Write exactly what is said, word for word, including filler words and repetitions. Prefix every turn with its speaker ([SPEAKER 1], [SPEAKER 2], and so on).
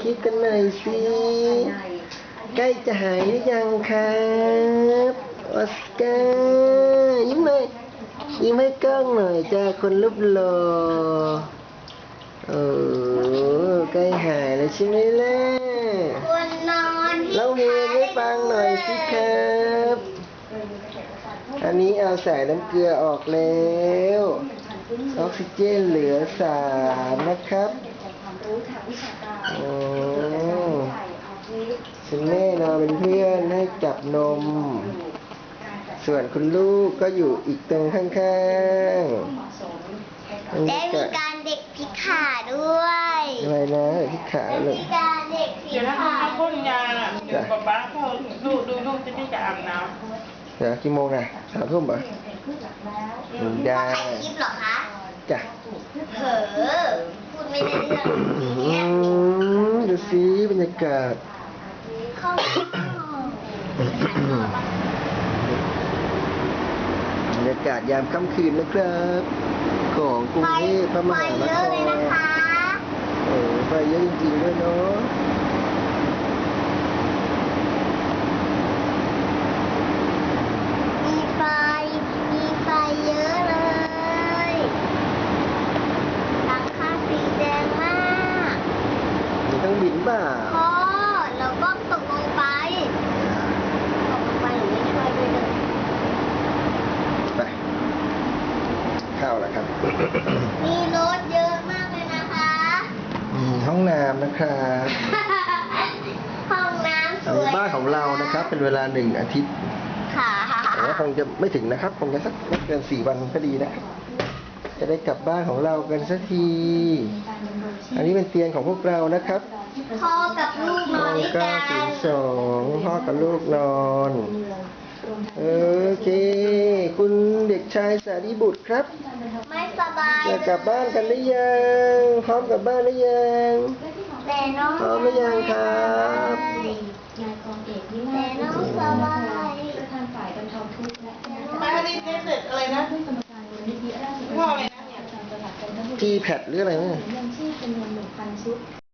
[SPEAKER 1] คิดกันหน่อยสิใกล้จะหายหรือยังครับออสการ์ยิ้มหน่อยยิ้มให้กล้องหน่อยจ้าคนรูปหล่อโอ้ใกล้หายแล้วใช่ไหมล่ะ
[SPEAKER 2] คนนอน
[SPEAKER 1] เล่าเพลงให้ฟังหน่อยสิครับอันนี้เอาสายน้ำเกลือออกแล้วออกซิเจนเหลือสามนะครับโอ้คุณแม่นอนเป็นเพื่อนให้จับนมส่วนคุณลูกก็อยู่อีกตรงข้างๆ
[SPEAKER 2] ได้มีการเด็กพิขาด้วย
[SPEAKER 1] อะไรนะพิขาเลย
[SPEAKER 2] มีการเด็กพิขา
[SPEAKER 3] เขาพ่นยาเดี๋ยวป๊าป๊าเขาดูดูลูกจะได้จะอาบน้
[SPEAKER 1] ำเดี๋ยวกี่โมงนะสามทุ่มป่ะ
[SPEAKER 2] ได้ถ่ายคลิปเหรอคะ
[SPEAKER 1] จ้ะ
[SPEAKER 2] เผลอพูดไม่ได้เรื่อง
[SPEAKER 1] ดูสิบรรยากาศบรรยากาศยามค่ำคืนนะครับของกรุงเทพมหานครโอ้ไฟเยอะจริงๆด้วยเนาะ
[SPEAKER 2] มีไฟมีไฟเยอะเลยหลังคาสีแดงมาก
[SPEAKER 1] มีต้องบินบ่า
[SPEAKER 2] พ่อเราก็ตกลงไปตกลงไปหนูไม่ช่วยด้วยเลย
[SPEAKER 1] ไปเข้าแล้วครับ
[SPEAKER 2] มีรถเยอะมากเลยนะคะ
[SPEAKER 1] มีห้องน้ำนะครับ
[SPEAKER 2] ห้องน้ำสวย
[SPEAKER 1] บ้านของเรานะครับเป็นเวลาหนึ่งอาทิตย์
[SPEAKER 2] ค่ะ
[SPEAKER 1] แต่ว่าคงจะไม่ถึงนะครับคงจะสักไม่เกินสี่วันก็ดีนะครับจะได้กลับบ้านของเรากันสักทีอันนี้เป็นเตียงของพวกเรานะครับ
[SPEAKER 2] พ่อกับลูกนอนด้วยกัน
[SPEAKER 1] เก้าศูนย์สองพ่อกับลูกนอนโอเคคุณเด็กชายสารีบุตรครับ
[SPEAKER 2] ไม่สบาย
[SPEAKER 1] จะกลับบ้านกันหรือยังพร้อมกลับบ้านหรือยัง
[SPEAKER 2] แต่น้อง
[SPEAKER 1] พร้อมหรือยังครับ
[SPEAKER 2] แต่น้องสบาย
[SPEAKER 3] มาดิเด็ดอะไรนะพ่ออะไรนะ
[SPEAKER 1] จีแพดหรืออะไรเนี่ย